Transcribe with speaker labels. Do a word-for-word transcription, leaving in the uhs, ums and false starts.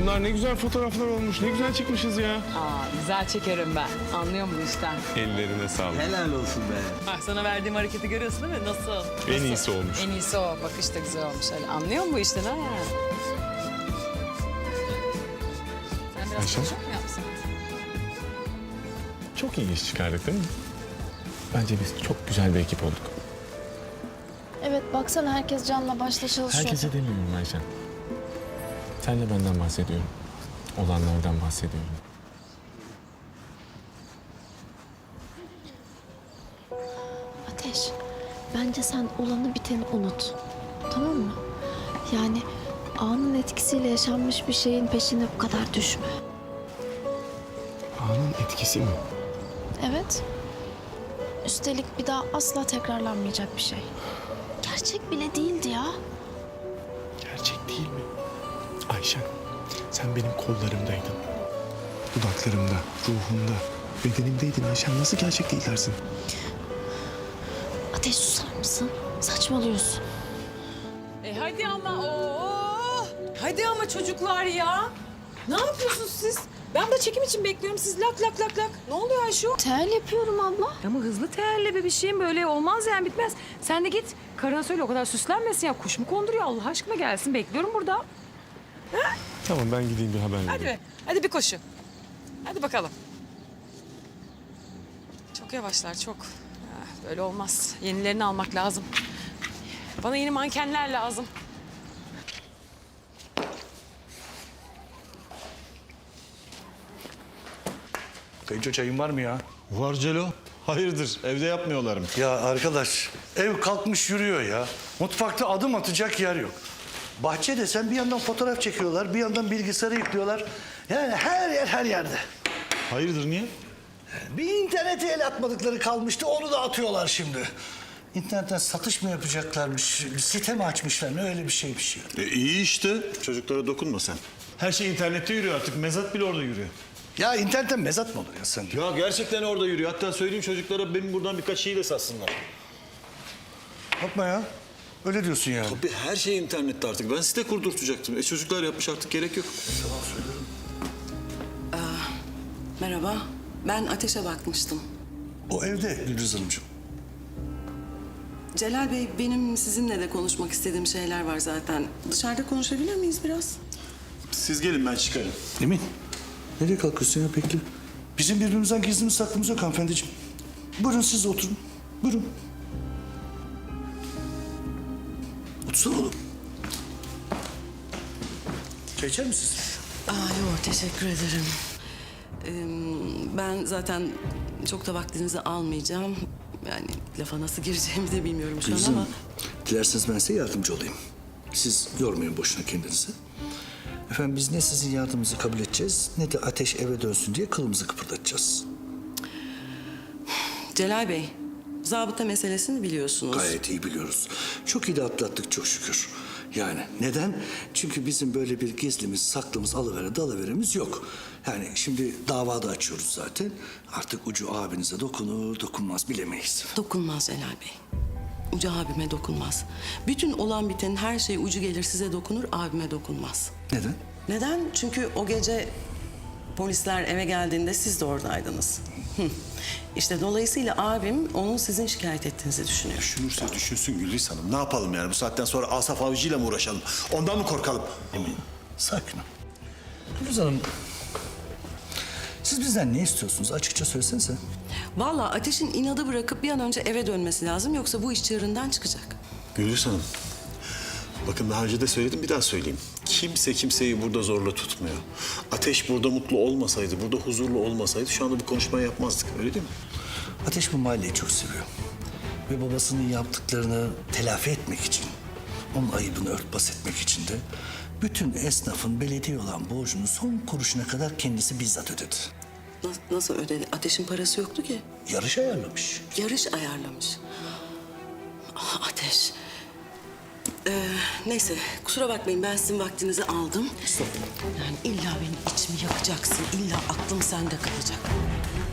Speaker 1: bunlar ne güzel fotoğraflar olmuş. Ne güzel çıkmışız ya.
Speaker 2: Aa, güzel çekerim ben. Anlıyorum bu işten.
Speaker 1: Ellerine sağlık.
Speaker 3: Helal olsun be.
Speaker 2: Bak sana verdiğim hareketi görüyorsun değil mi? Nasıl?
Speaker 1: En
Speaker 2: Nasıl?
Speaker 1: iyisi olmuş.
Speaker 2: En iyisi o. Bakış da güzel olmuş. Öyle. Anlıyor musun bu işten ha? Sen biraz
Speaker 1: Ayşe?
Speaker 2: konuşuyor mu yapsın?
Speaker 1: Çok iyi iş çıkardık değil mi? Bence biz çok güzel bir ekip olduk.
Speaker 4: Evet baksana herkes canla başla çalışıyor.
Speaker 1: Herkese demiyorum Ayşen. Sen de benden bahsediyorum. Olanlardan bahsediyorum.
Speaker 4: Ateş, bence sen olanı biteni unut. Tamam mı? Yani anın etkisiyle yaşanmış bir şeyin peşine bu kadar düşme.
Speaker 1: Anın etkisi mi?
Speaker 4: Evet. Üstelik bir daha asla tekrarlanmayacak bir şey. Gerçek bile değildi ya.
Speaker 1: Gerçek değil mi? Ayşen, sen benim kollarımdaydın. Dudaklarımda, ruhumda, bedenimdeydin Ayşen. Nasıl gerçek değil dersin?
Speaker 4: Ateş susar mısın? Saçmalıyorsun.
Speaker 2: E hadi ama oo. Hadi ama çocuklar ya. Ne yapıyorsunuz siz? Ben de çekim için bekliyorum. Siz lak lak lak lak. Ne oluyor Ayşe?
Speaker 4: Tel yapıyorum abla.
Speaker 2: Ama hızlı terle be bir şeyim böyle olmaz yani bitmez. Sen de git karına söyle o kadar süslenmesin ya. Kuş mu konduruyor Allah aşkına gelsin bekliyorum burada.
Speaker 1: Tamam, ben gideyim bir haber vereyim.
Speaker 2: Hadi be hadi bir koşu. Hadi bakalım. Çok yavaşlar çok. Ah, böyle olmaz. Yenilerini almak lazım. Bana yeni mankenler lazım.
Speaker 5: Kayınço çayın var mı ya?
Speaker 6: Var Celo. Hayırdır? Evde yapmıyorlar mı?
Speaker 5: Ya arkadaş ev kalkmış yürüyor ya. Mutfakta adım atacak yer yok. Bahçede sen bir yandan fotoğraf çekiyorlar, bir yandan bilgisayara yüklüyorlar. Yani her yer her yerde.
Speaker 6: Hayırdır niye?
Speaker 5: Bir internete el atmadıkları kalmıştı, onu da atıyorlar şimdi. İnternetten satış mı yapacaklarmış, bir site mi açmışlar, ne öyle bir şeymiş ya.
Speaker 6: E, iyi işte. Çocuklara dokunma sen. Her şey internette yürüyor artık. Mezat bile orada yürüyor.
Speaker 5: Ya internetten mezat mı olur ya sen?
Speaker 6: Ya gerçekten orada yürüyor. Hatta söyleyeyim çocuklara benim buradan birkaç şeyi de satsınlar.
Speaker 5: Yapma ya. Öyle diyorsun yani.
Speaker 6: Tabii her şey internette artık. Ben site kurdurtacaktım. E çocuklar yapmış artık gerek yok.
Speaker 5: Tamam söylüyorum.
Speaker 7: Merhaba, ben Ateş'e bakmıştım.
Speaker 5: O evde Gülriz Hanımcığım.
Speaker 7: Celal Bey, benim sizinle de konuşmak istediğim şeyler var zaten. Dışarıda konuşabilir miyiz biraz?
Speaker 6: Siz gelin ben çıkarım.
Speaker 5: Emin, nereye kalkıyorsun ya bekle. Bizim birbirimizden gizlimiz saklımız yok hanımefendiciğim. Buyurun siz de oturun. Buyurun. Otursana oğlum. Çay içer misiniz?
Speaker 7: Aa, yok, teşekkür ederim. Ee, ben zaten çok da vaktinizi almayacağım. Yani lafa nasıl gireceğimi de bilmiyorum şu an
Speaker 5: Gülriz
Speaker 7: ama...
Speaker 5: Hanım, dilerseniz ben size yardımcı olayım. Siz yormayın boşuna kendinizi. Efendim biz ne sizin yardımınızı kabul edeceğiz, ne de Ateş eve dönsün diye kılımızı kıpırdatacağız.
Speaker 7: Celal Bey, zabıta meselesini biliyorsunuz.
Speaker 5: Gayet iyi biliyoruz. Çok iyi de atlattık çok şükür. Yani neden? Çünkü bizim böyle bir gizlimiz, saklımız, alıvere dalıveremiz yok. Yani şimdi davada açıyoruz zaten. Artık ucu abinize dokunur, dokunmaz bilemeyiz.
Speaker 7: Dokunmaz Celal Bey. Ucu abime dokunmaz. Bütün olan bitenin her şey ucu gelir size dokunur, abime dokunmaz.
Speaker 5: Neden?
Speaker 7: Neden? Çünkü o gece polisler eve geldiğinde siz de oradaydınız. Hı. İşte dolayısıyla abim onun sizin şikayet ettiğinizi düşünüyor.
Speaker 6: Düşünürse düşünsün Gülriz Hanım. Ne yapalım yani? Bu saatten sonra Asaf Avcı'yla mı uğraşalım? Ondan mı korkalım?
Speaker 5: Emin, sakin ol. Gülüz Hanım, siz bizden ne istiyorsunuz? Açıkça söylesenize.
Speaker 7: Vallahi Ateş'in inadı bırakıp bir an önce eve dönmesi lazım. Yoksa bu iş çığırından çıkacak.
Speaker 6: Gülriz Hanım. Bakın daha önce de söyledim bir daha söyleyeyim. Kimse kimseyi burada zorla tutmuyor. Ateş burada mutlu olmasaydı, burada huzurlu olmasaydı şu anda bu konuşmayı yapmazdık. Öyle değil mi?
Speaker 5: Ateş bu mahalleyi çok seviyor. Ve babasının yaptıklarını telafi etmek için, onun ayıbını örtbas etmek için de bütün esnafın belediye olan borcunu son kuruşuna kadar kendisi bizzat ödedi.
Speaker 7: Nasıl, nasıl ödedi? Ateş'in parası yoktu ki.
Speaker 5: Yarış ayarlamış.
Speaker 7: Yarış ayarlamış. Ah, Ateş. Ee, neyse kusura bakmayın ben sizin vaktinizi aldım. Yani illa benim içimi yakacaksın. İlla aklım sende kalacak.